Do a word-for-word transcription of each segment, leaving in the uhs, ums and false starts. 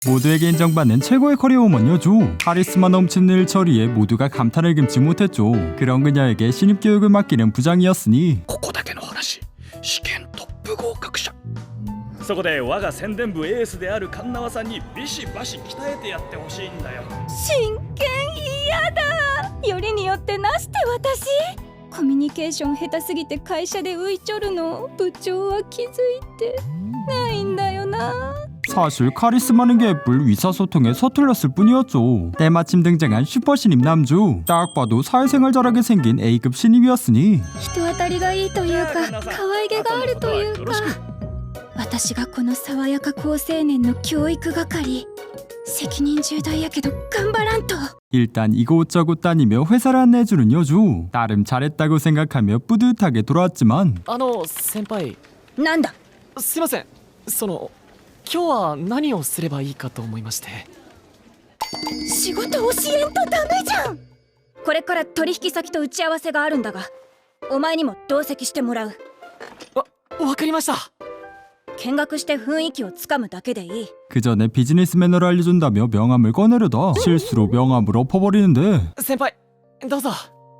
모두에게 인정받는 최고의 커리어 우먼 여주. 카리스마 넘치는 일처리에 모두가 감탄을 금치 못했죠. 그런 그녀에게 신입 교육을 맡기는 부장이었으니 ここだけの話、試験トップ合格者。そこで我が宣伝部エースである神縄さんにビシバシ鍛えてやってほしいんだよ。 真剣嫌だ。よりによってなして私コミュニケーション下手すぎて会社で浮いちょるの部長は気づいてないんだよな。 사실 카리스마는 개뿔 의사소통에 서툴렀을 뿐이었죠. 때마침 등장한 슈퍼 신입 남주. 딱 봐도 사회생활 잘하게 생긴 A급 신입이었으니 人当たりがいいというか可愛げがあるというか、私がこの爽やか好青年の教育係、責任重大やけど頑張らんと。 일단 이곳저곳 다니며 회사를 안내해주는 여주. 나름 잘했다고 생각하며 뿌듯하게 돌아왔지만 あの先輩、 なんだ。 すいません。その今日は何をすればいいかと思いまして。 仕事教えんとダメじゃん。これから取引先と打ち合わせがあるんだが、お前にも同席してもらう。 わ、わかりました。 見学して雰囲気をつかむだけでいい。 그 전에 비즈니스 매너를 알려준다며 명함을 꺼내려다 실수로 명함을 엎어버리는데 先輩、どうぞ。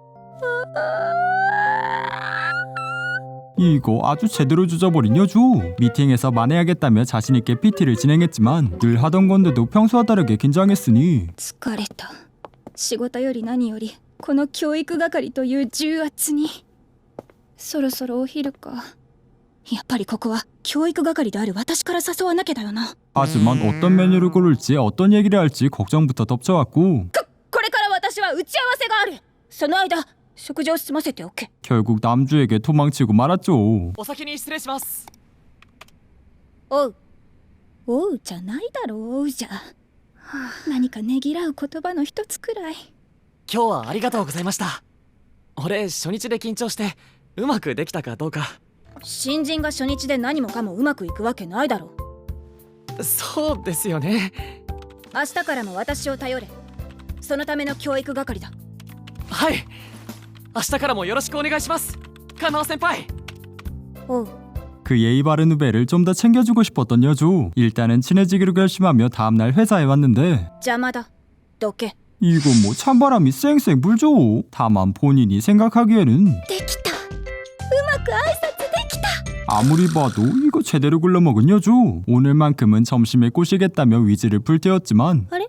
이거 아주 제대로 주저버린 여주. 미팅에서 만회하겠다며 자신있게 피티를 진행했지만 늘 하던 건데도 평소와 다르게 긴장했으니 疲れた。仕事より何よりこの教育係という重圧に。そろそろお昼か。やっぱりここは教育係である私から誘わなきゃだよな。 하지만 어떤 메뉴를 고를지 어떤 얘기를 할지 걱정부터 덮쳐왔고 こ、これから私は打ち合わせがある。その間食事を済ませておけ。 결국 남주에게 도망치고 말았죠. お先に失礼します。 おう。おうじゃないだろう、おうじゃ。何かねぎらう言葉の一つくらい。 今日はありがとうございました。俺初日で緊張してうまくできたかどうか。 新人が初日で何もかもうまくいくわけないだろう。そうですよね。 明日からも私を頼れ。そのための教育係だ。 はい、明日からもよろしくお願いします、カナオ先輩。 おう。 그 예의 바른 후배를 좀 더 챙겨주고 싶었던 여주. 일단은 친해지기로 결심하며 다음날 회사에 왔는데 邪魔だ。どけ。 이건 뭐 찬바람이 쌩쌩 불죠. 다만 본인이 생각하기에는 できた。うまく挨拶できた。 아무리 봐도 이거 제대로 굴러먹은 여주. 오늘만큼은 점심에 꼬시겠다며 위지를 불태웠지만 あれ？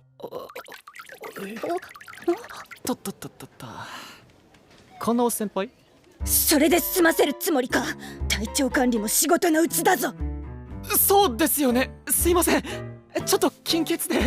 とっとっとっとっと。カナオ先輩？ それで済ませるつもりか。体調管理も仕事のうちだぞ。 そうですよね。すいません。ちょっと金欠で。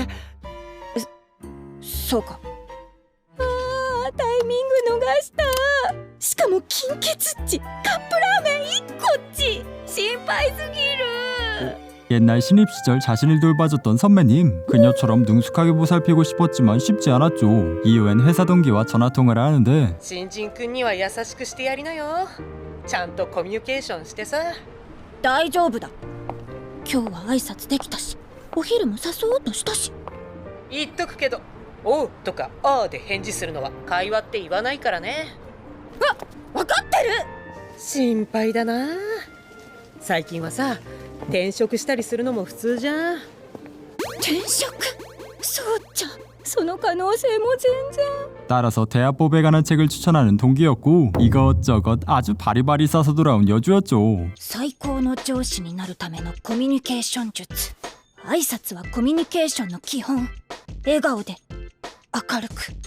そうか。あー、タイミング逃した。しかも金欠っち。カップラーメンいっこっち。心配すぎる。 옛날 신입 시절 자신을 돌봐줬던 선배님. 그녀처럼 능숙하게 보살피고 싶었지만 쉽지 않았죠. 이후엔 회사 동기와 전화통화를 하는데 新人くんには優しくしてやりなよ。ちゃんとコミュニケーションしてさ。 大丈夫だ。今日は挨拶できたし、お昼も誘おうとしたし。 言っとくけど、おうとかあーで返事するのは会話って言わないからね。 わ、わかってる。 心配だな。最近はさ、転職したりするのも普通じゃん。 転職？そうじゃ。その可能性も全然。 따라서 대합법에 관한 책을 추천하는 동기였고 이것저것 아주 바리바리 싸서 돌아온 여주였죠. 最高の上司になるためのコミュニケーション術。挨拶はコミュニケーションの基本。笑顔で明るく。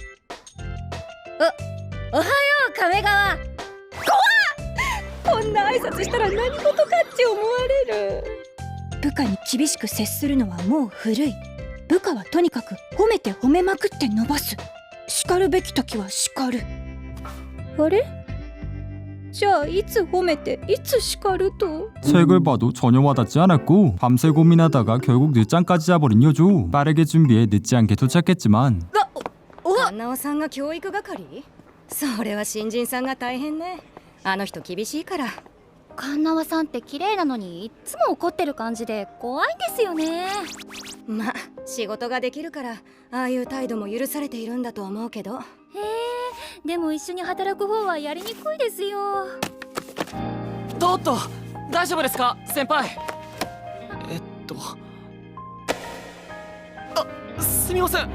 お、おはよう亀川。怖っ。こんな挨拶したら何事かって思われる。部下に厳しく接するのはもう古い。部下はとにかく褒めて褒めまくって伸ばす。叱るべき時は叱る。あれ？じゃあいつ褒めていつ叱ると？ 책을 봐도 전혀 와닿지 않았고 밤새 고민하다가 결국 늦잠까지 자버린 여주. 빠르게 준비해 늦지 않게 도착했지만 カナオさんが教育係？それは新人さんが大変ね。あの人厳しいから。 カンナワさんって綺麗なのにいつも怒ってる感じで怖いんですよね。 まあ仕事ができるからああいう態度も許されているんだと思うけど。 へえ、でも一緒に働く方はやりにくいですよ。 おっと、大丈夫ですか先輩。えっとすみません。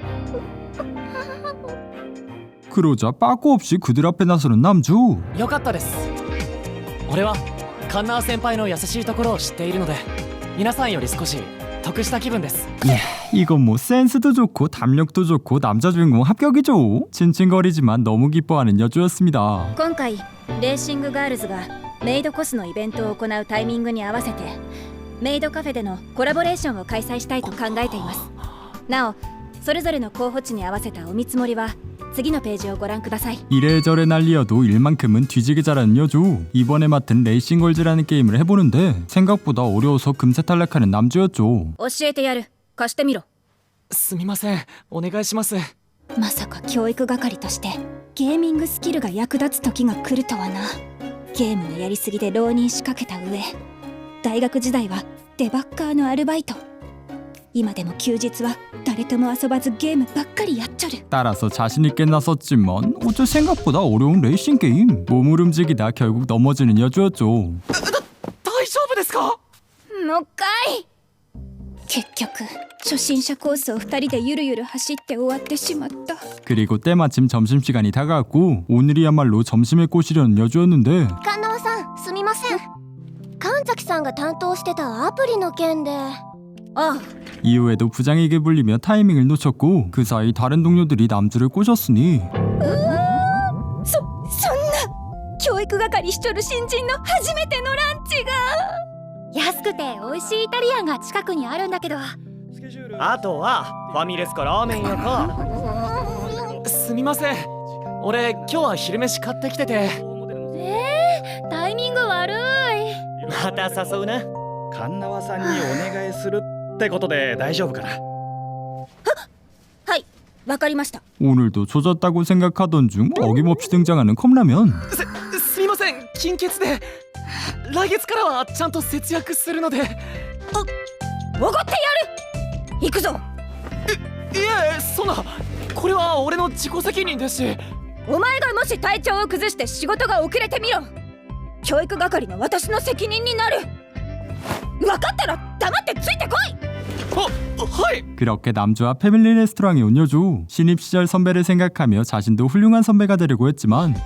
그러자 빠꾸 없이 그들 앞에 나서는 남주. よかったです。俺はカンナー先輩の優しいところを知っているので皆さんより少し得した気分です。 이건 뭐 센스도 좋고 담력도 좋고 남자 주인공 합격이죠. 칭칭거리지만 너무 기뻐하는 여주였습니다. 今回レーシングガールズがメイドコスのイベントを行うタイミングに合わせてメイドカフェでのコラボレーションを開催したいと考えています。なおそれぞれの候補地に合わせたお見積もりは次のページをご覧ください。 이래저래 난리여도 일만큼은 뒤지게 잘하는 여주. 이번에 맡은 레이싱걸즈라는 게임을 해보는데 생각보다 어려워서 금세 탈락하는 남주였죠. 教えてやる。貸してみろ。 すみません、お願いします。 まさか教育係としてゲーミングスキルが役立つ時が来るとはな。ゲームのやりすぎで浪人しかけた上大学時代はデバッカーのアルバイト。今でも休日は誰とも遊ばずゲームばっかりやっちょる。 따라서 자신있게 나섰지만 어째 생각보다 어려운 레이싱 게임. 몸을 움직이다 결국 넘어지는 여주였죠. 大丈夫ですか？ もう一回。結局初心者コースをふたりでゆるゆる走って終わってしまった。 그리고 때마침 점심시간이 다가왔고 오늘이야말로 점심에 꼬시려는 여주였는데 神縄さんすみません。神崎さんが担当してたアプリの件で。 ああ 이후에도 부장에게 불리며 타이밍을 놓쳤고 그 사이 다른 동료들이 남주를 꼬셨으니 そそんな教育係しちょる新人の初めてのランチが。 安くて美味しいイタリアンが近くにあるんだけど。 あとはファミレスかラーメン屋か。 すみません、俺今日は昼飯買ってきてて。 えー、タイミング悪い。 また誘うな。 カンナワさんにお願いするってことで大丈夫かな。 はい、わかりました。 오늘도 조졌다고 생각하던 중 어김없이 등장하는 컵라면. すすみません、金欠で来月からはちゃんと節約するので。 おごってやる。行くぞ。 いえ、そんな、これは俺の自己責任ですし。 お前がもし体調を崩して仕事が遅れてみろ。教育係の私の責任になる。分かったら黙ってついてこい。 어, 하이! 그렇게 남주와 패밀리 레스토랑에 온 여주. 신입 시절 선배를 생각하며 자신도 훌륭한 선배가 되려고 했지만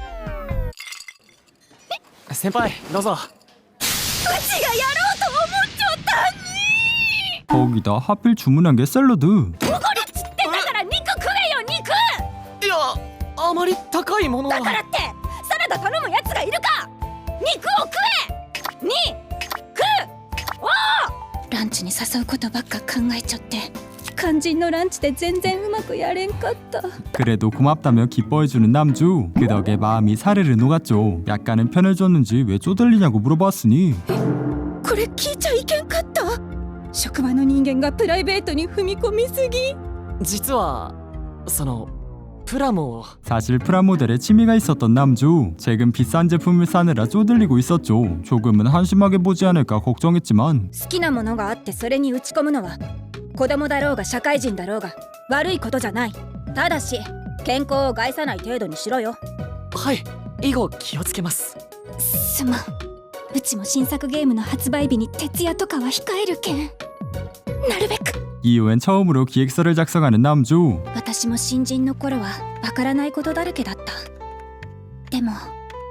先輩、どうぞ。 うちがやろうと思っちゃったに。 거기다 하필 주문한 게 샐러드. おごるっつってんだから肉食えよ肉。 いや、あまり高いものは。 だからってサラダ頼むやつがいるか。肉を食え。に食う。おお。ランチに誘うことばっか考えちゃって肝心のランチで全然うまくやれんかった。 그래도 고맙다며 기뻐해주는 남주. 그 덕에 마음이 사르르 녹았죠. 약간은 편해졌는지 왜 쪼들리냐고 물어봤으니 これ聞いちゃいけんかった。職場の人間がプライベートに踏み込みすぎ。 実はそのプラモを。 사실 프라모델에 취미가 있었던 남주. 최근 비싼 제품을 사느라 쪼들리고 있었죠. 조금은 한심하게 보지 않을까 걱정했지만 好きなものがあってそれに打ち込むのは子供だろうが社会人だろうが悪いことじゃない。ただし健康を害さない程度にしろよ。 はい、以後気をつけます。 すまん。うちも新作ゲームの発売日に徹夜とかは控えるけん。なるべく。 이후엔 처음으로 기획서를 작성하는 남주. 私も新人の頃はわからないことだらけだった。でも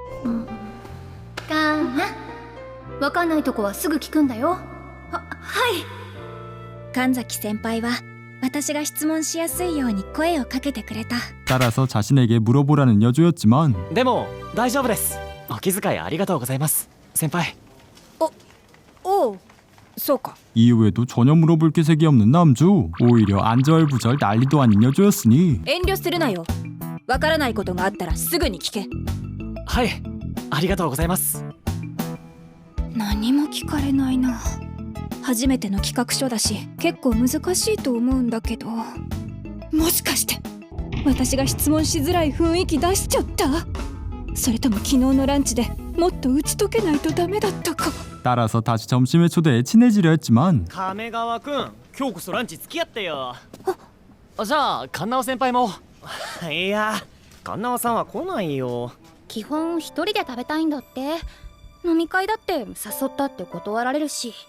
かな、わかんないとこはすぐ聞くんだよ。は、はい。 神崎先輩は私が質問しやすいように声をかけてくれた。 따라서 자신에게 물어보라는 여주였지만 でも大丈夫です。お気遣いありがとうございます、先輩。 おう、そうか。 이후에도 전혀 물어볼 기색이 없는 남주. 오히려 안절부절 난리도 아닌 여주였으니 遠慮するなよ。わからないことがあったらすぐに聞け。 はい、ありがとうございます。 何も聞かれないな。初めての企画書だし結構難しいと思うんだけど、もしかして私が質問しづらい雰囲気出しちゃった？それとも昨日のランチでもっと打ち解けないとダメだったか。 따라서 다시 점심에 초대해 친해지려 했지만 亀川くん、今日こそランチ付き合ってよ。 じゃあカンナオ先輩も。 いや、神縄さんは来ないよ。 基本一人で食べたいんだって。飲み会だって誘ったって断られるし。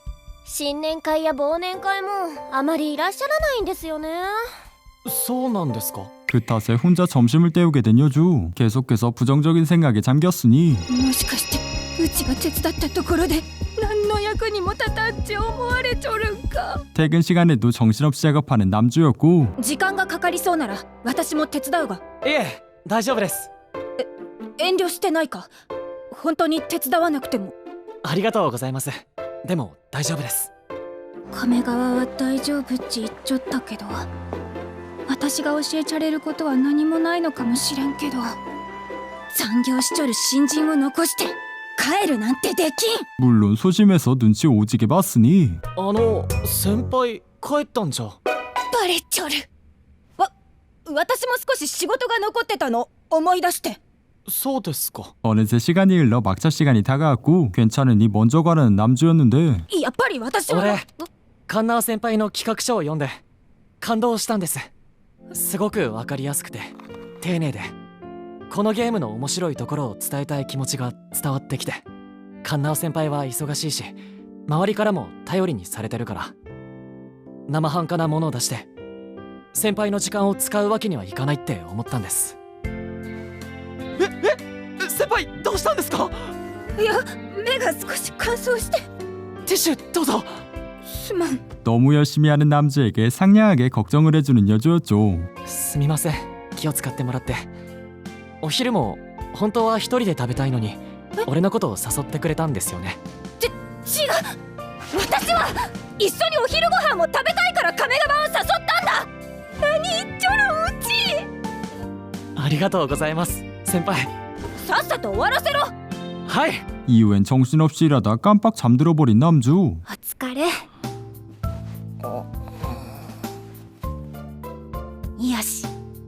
新年会や忘年会もあまりいらっしゃらないんですよね。 そうなんですか。 그 탓에 혼자 점심을 때우게 된 여주. 계속해서 부정적인 생각에 잠겼으니 もしかしてうちが手伝ったところで何の役にも立たんって思われちょるんか。 퇴근 시간에도 정신없이 작업하는 남주였고 時間がかかりそうなら私も手伝うが。 いえ大丈夫です。 遠慮してないか。本当に手伝わなくても。 ありがとうございます。でも大丈夫です。 亀川は大丈夫って言っちゃったけど、私が教えちゃれることは何もないのかもしれんけど、残業しちょる新人を残して帰るなんてできん。 물론 소심해서 눈치 오지게 봤으니 あの先輩帰ったんじゃ。 バレちょる。わ、私も少し仕事が残ってたの思い出して。 そうですか。 어느새 시간이 흘러 막차 시간이 다가왔고 괜찮으니 먼저 가라는 남주였는데 やっぱり私は。 俺カンナー先輩の企画書を読んで感動したんです。すごくわかりやすくて丁寧で、このゲームの面白いところを伝えたい気持ちが伝わってきて、カンナー先輩は忙しいし周りからも頼りにされてるから、生半可なものを出して先輩の時間を使うわけにはいかないって思ったんです。ええ先輩どうしたんですか。 いや、目が少し乾燥して。 ティッシュどうぞ。 すまん。 너무 열심히 하는 남주에게 상냥하게 걱정을 해주는 여주였죠. すみません、気を使ってもらって。お昼も本当は一人で食べたいのに俺のことを誘ってくれたんですよね。 違う、私は一緒にお昼ご飯も食べたいから亀川を誘ったんだ。何言っちょるうち。 ありがとうございます先輩。 さっさと終わらせろ。 はい。 이후엔 정신없이 일하다 깜빡 잠들어 버린 남주. お疲れ。よし。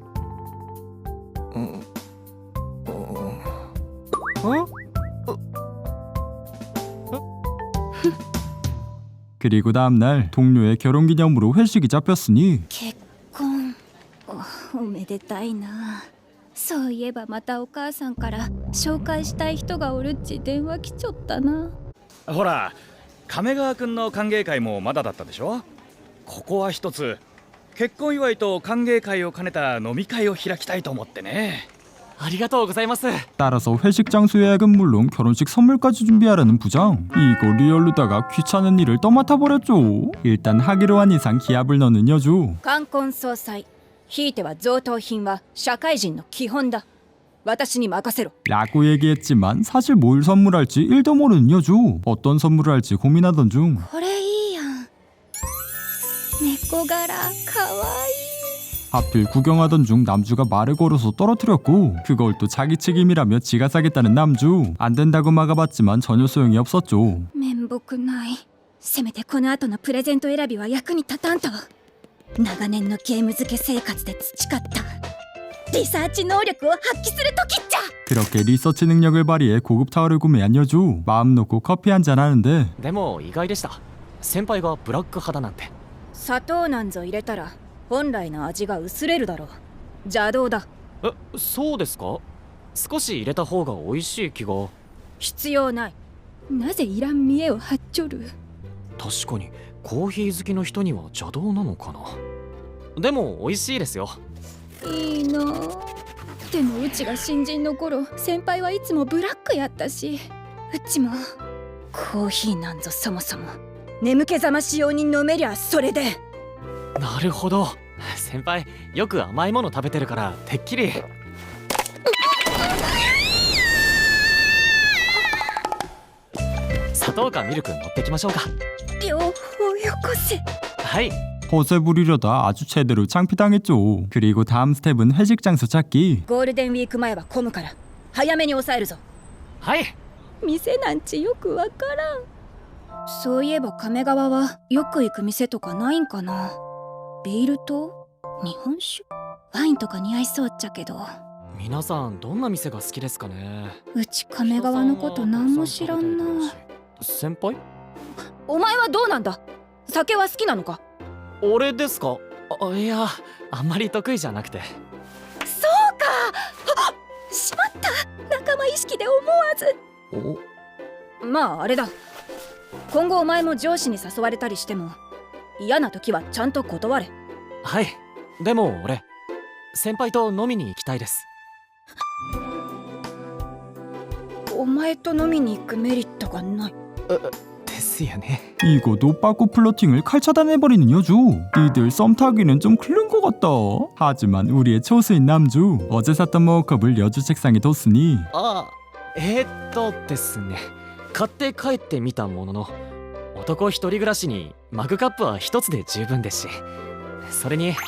그리고 다음날 동료의 결혼기념으로 회식이 잡혔으니 結婚 お, おめでたいな。そういえばまたお母さんから紹介したい人がおるっち電話来ちょったな。 ほら亀川くんの歓迎会もまだだったでしょ。ここは一つ結婚祝いと歓迎会を兼ねた飲み会を開きたいと思ってね。 ありがとうございます。 따라서 회식 장소 예약은 물론 결혼식 선물까지 준비하라는 부장. 이거 리얼루다가 귀찮은 일을 떠맡아 버렸죠. 일단 하기로 한 이상 기합을 넣는 여주. 冠婚葬祭、ひいては贈答品は社会人の基本だ。私に任せろ。 라고 얘기했지만 사실 뭘 선물할지 일도 모르는 여주. 어떤 선물을 할지 고민하던 중 これいいやん。猫柄かわいい。 하필 구경하던 중 남주가 말을 걸어서 떨어뜨렸고 그걸 또 자기 책임이라며 지가 사겠다는 남주. 안 된다고 막아봤지만 전혀 소용이 없었죠. 面目ない。せめてこの後のプレゼント選びは役に立たんと。長年のゲーム付け生活で培ったリサーチ能力を発揮する時っちゃ。 그렇게 리서치 능력을 발휘해 고급 타워를 구매한 여주. 마음 놓고 커피 한잔 하는데 でも意外でした。先輩がブラック派だなんて。 砂糖なんぞ入れたら本来の味が薄れるだろう。邪道だ。 え、そうですか。少し入れた方が美味しい気が。 必要ない。なぜいらん見栄を張っちょる。 確かにコーヒー好きの人には邪道なのかな。でも美味しいですよ。 いいな。でもうちが新人の頃、先輩はいつもブラックやったし、うちもコーヒーなんぞそもそも眠気覚まし用に飲めりゃそれで。 なるほど。先輩よく甘いもの食べてるからてっきり。砂糖かミルク持ってきましょうか。 両方よこせ。 はい。 허세 부리려다 아주 제대로 창피당했죠. 그리고 다음 스텝은 회식 장소 찾기. ゴールデンウィーク前は混むから早めに抑えるぞ。 はい。 店なんちよくわからん。そういえば亀川はよく行く店とかないんかな。ビールと日本酒、ワインとか似合いそうっちゃけど。 皆さんどんな店が好きですかね。 うち亀川のこと何も知らんな。 先輩？ お前はどうなんだ。酒は好きなのか。 俺ですか。あ、いやあんまり得意じゃなくて。 そうか。あ、しまった。仲間意識で思わず。 お、 まああれだ。 今後お前も上司に誘われたりしても嫌な時はちゃんと断れ。 はい。でも俺先輩と飲みに行きたいです。 お前と飲みに行くメリットがない。 ですよね。 이거도 빠꾸 플러팅을 칼 차단해버리는 여주. 니들 썸 타기는 좀 클른 것 같다. 하지만 우리의 초수인 남주 어제 샀던 머그컵을 여주 책상에 뒀으니 あえー、っとですね、買って帰ってみたものの、男一人暮らしにマグカップは一つで十分ですし、それに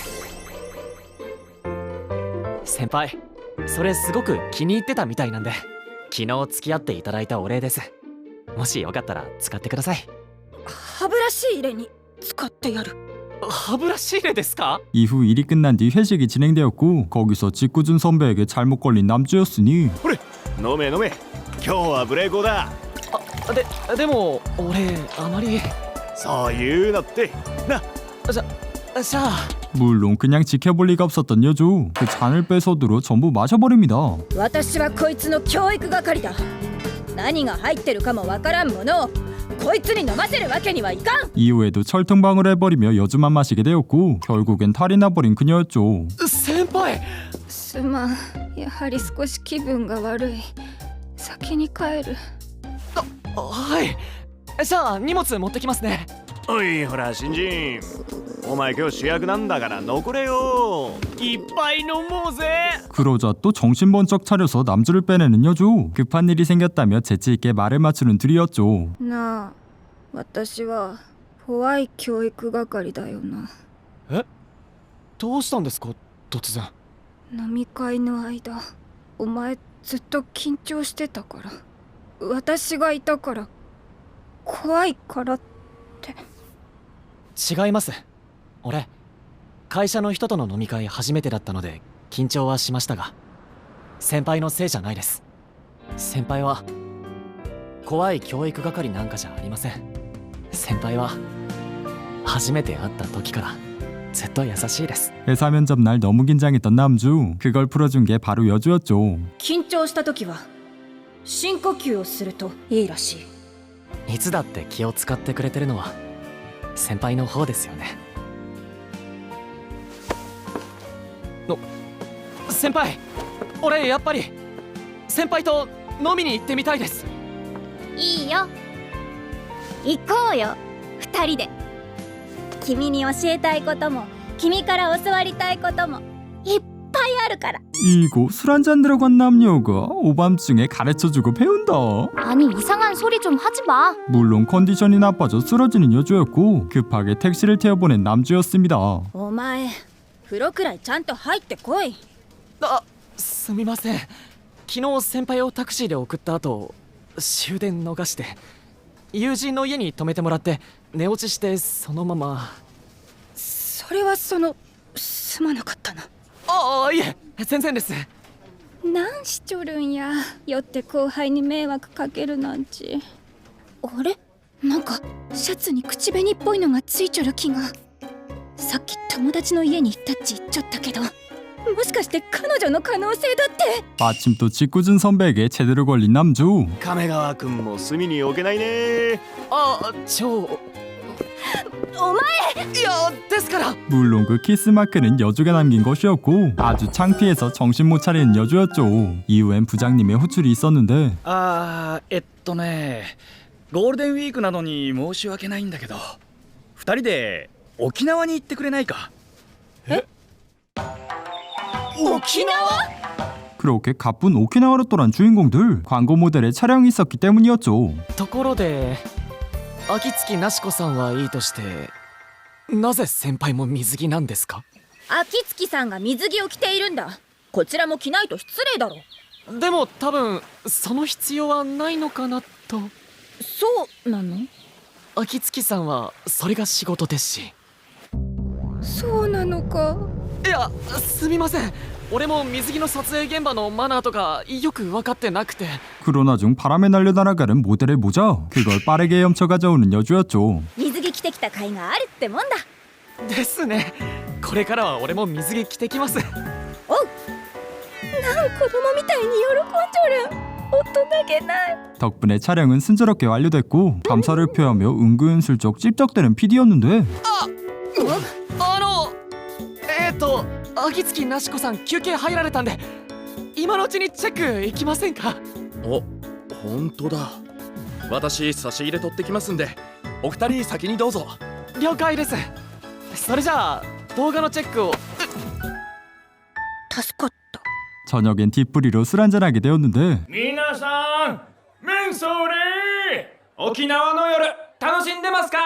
先輩それすごく気に入ってたみたいなんで、昨日付き合っていただいたお礼です。もしよかったら使ってください。 歯ブラシ入れに使ってやる。 歯ブラシ入れですか？ 이후 일이 끝난 뒤 회식이 진행되었고 거기서 직구준 선배에게 잘못 걸린 남주였으니 飲め飲め、今日はブレイコーだ。 あ、で、でも俺あまり。 そういうのってな。 じゃ、じゃあ 물론 그냥 지켜볼 리가 없었던 여주. 그 잔을 빼서들어 전부 마셔버립니다. 私はこいつの教育係だ。何が入ってるかもわからんものをこいつに飲ませるわけにはいかん。 이후에도 철통방을 해버리며 여주만 마시게 되었고 결국엔 탈이 나버린 그녀였죠. 先輩。 すまん、やはり少し気分が悪い。先に帰る。 はい。じゃあ荷物持ってきますね。 おいほら新人、お前今日主役なんだから残れよ。いっぱい飲もうぜ。 그러자 또 정신 번쩍 차려서 남주를 빼내는 여주. 급한 일이 생겼다며 재치있게 말을 맞추는 둘이었죠. なあ、私は怖い教育係だよな。 どうしたんですか突然。 飲み会の間、お前ずっと緊張してたから。私がいたから怖いからって。 違います。俺会社の人との飲み会初めてだったので緊張はしましたが、先輩のせいじゃないです。先輩は怖い教育係なんかじゃありません。先輩は初めて会った時からずっと優しいです。 회사 면접 날 너무 긴장했던 남주. 그걸 풀어준 게 바로 여주였죠. 緊張した時は深呼吸をするといいらしい。 いつだって気を使ってくれてるのは先輩の方ですよね。の先輩、俺やっぱり先輩と飲みに行ってみたいです。 いいよ、行こうよ二人で。君に教えたいことも君から教わりたいこともいっぱいあるから。 이거 술 한잔 들어간 남녀가 오밤중에 가르쳐주고 배운다. 아니 이상한 소리 좀 하지 마. 물론 컨디션이 나빠져 쓰러지는 여주였고 급하게 택시를 태워보낸 남주였습니다. お前風呂くらいちゃんと入ってこい。 あ、すみません。昨日先輩をタクシーで送った後終電逃して友人の家に泊めてもらって寝落ちして、そのまま。 それはそのすまなかったな。 ああ、いえ全然です。 なんしちょるんや。酔って後輩に迷惑かけるなんち。あれ、なんかシャツに口紅っぽいのがついちょる気が。さっき友達の家に行ったっち言っちゃったけど、もしかして彼女の可能性だって。 마침 또 직구준 선배에게 제대로 걸린 남주. 亀川君も隅に置けないね。 あ、超お前、 いやですから。 물론 그 키스마크는 여주가 남긴 것이었고 아주 창피해서 정신 못 차리는 여주였죠. 이후엔 부장님의 호출이 있었는데 あーえっとねゴールデンウィークなのに申し訳ないんだけど、二人で沖縄に行ってくれないか。 え、沖縄？ 그렇게 가쁜 오키나와로 떠난 주인공들. 광고 모델의 촬영이 있었기 때문이었죠. ところで秋月なしこさんはいいとして、なぜ先輩も水着なんですか？ 秋月さんが水着を着ているんだ。こちらも着ないと失礼だろ。 でも多分その必要はないのかなと。 そうなの？ 秋月さんはそれが仕事ですし。 そうなのか。 いやすみません、俺も水着の撮影現場のマナーとかよく分かってなくて。 그러나 중 바람에 날려 날아가는 모델의 모자. 그걸 빠르게 헤엄쳐 가져오는 여주였죠. 水着着てきた甲斐があるってもんだ。 ですね。これからは俺も水着着てきます。 おう。なん子供みたいに喜んじょる。 大人げない。 덕분에 촬영은 순조롭게 완료됐고 감사를 표하며 은근슬쩍 찝쩍대는 피디였는데 あのえー、っと秋月なしこさん休憩入られたんで今のうちにチェック行きませんか？ お、本当だ。私差し入れ取ってきますんで、お二人先にどうぞ。 了解です。それじゃあ動画のチェックを。 助かった。 저녁엔 뒷부리로 술 한잔하게 되었는데 皆さんメンソーレ沖縄の夜楽しんでますか？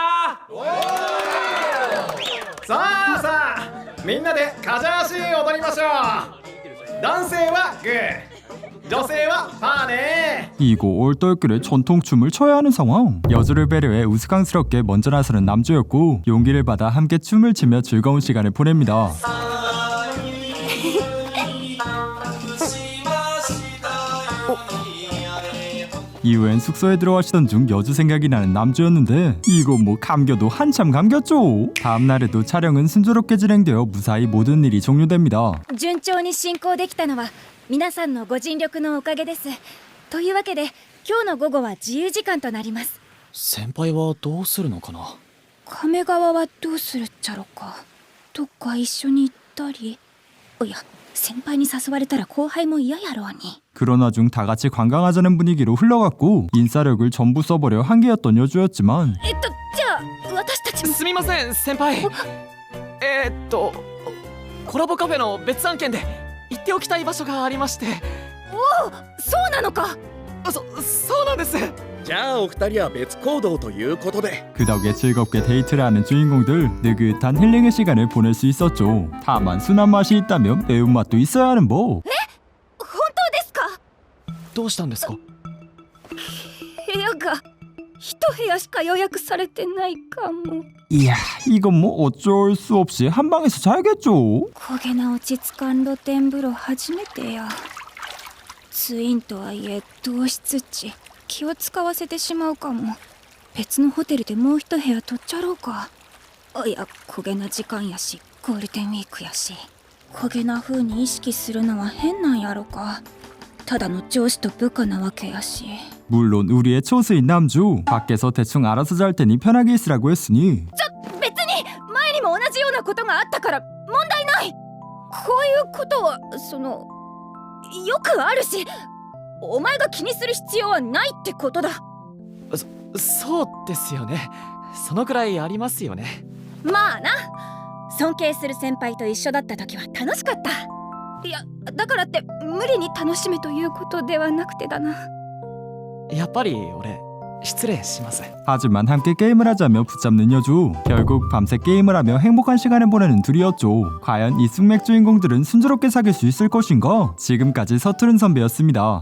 さあさあみんなでカジャーシー踊りましょう。男性はグー、女性はパーね。 이고 올떨결에 전통춤을 춰야 하는 상황. 여주를 배려해 우스꽝스럽게 먼저 나서는 남주였고 용기를 받아 함께 춤을 추며 즐거운 시간을 보냅니다. 이후엔 숙소에 들어가시던 중 여주 생각이 나는 남주였는데 이거 뭐 감겨도 한참 감겼죠. 다음날에도 촬영은 순조롭게 진행되어 무사히 모든 일이 종료됩니다. 順調に進行できたのは皆さんのご尽力のおかげです。というわけで今日の午後は自由時間となります。 先輩はどうするのかな？ 亀川はどうするっちゃろか。どっか一緒に行ったり。いや先輩に誘われたら後輩も嫌やろうに。 그런 와중 다같이 관광하자는 분위기로 흘러갔고 인싸력을 전부 써버려 한계였던 여주였지만 えっとじゃあ私たちも。 すみません先輩。えー、っとコラボカフェの別案件で行っておきたい場所がありまして。 おお、そうなのか。 そそうなんです。 じゃあお二人は別行動ということで。 그 덕에 즐겁게 데이트를 하는 주인공들 느긋한 힐링의 시간을 보낼 수 있었죠. 다만 순한 맛이 있다면 매운맛도 있어야 하는 법. 本当ですか？ どうしたんですか？ 部屋が一部屋しか予約されてないかも。 이야 이건 뭐 어쩔 수 없이 한 방에서 자야겠죠. 焦げな落ち着かん露天風呂初めてや。ツインとはいえ同室地気を使わせてしまうかも。別のホテルでもう一部屋取っちゃろうか。いや焦げな時間やしゴールデンウィークやし焦げな風に意識するのは変なんやろか。ただの上司と部下なわけやし。 물론 우리의 초수인 남주 밖에서 대충 알아서 잘 테니 편하게 있으라고 했으니 別に前にも同じようなことがあったから問題ない。こういうことはそのよくあるし、お前が気にする必要はないってことだ。 そそうですよね。そのくらいありますよね。 まあな、尊敬する先輩と一緒だった時は楽しかった。いやだからって無理に楽しめということではなくてだな。 やっぱり俺失礼します。 하지만 함께 게임을 하자며 붙잡는 여주. 결국 밤새 게임을 하며 행복한 시간을 보내는 둘이었죠. 과연 이 숙맥 주인공들은 순조롭게 사귈 수 있을 것인가? 지금까지 서투른 선배였습니다.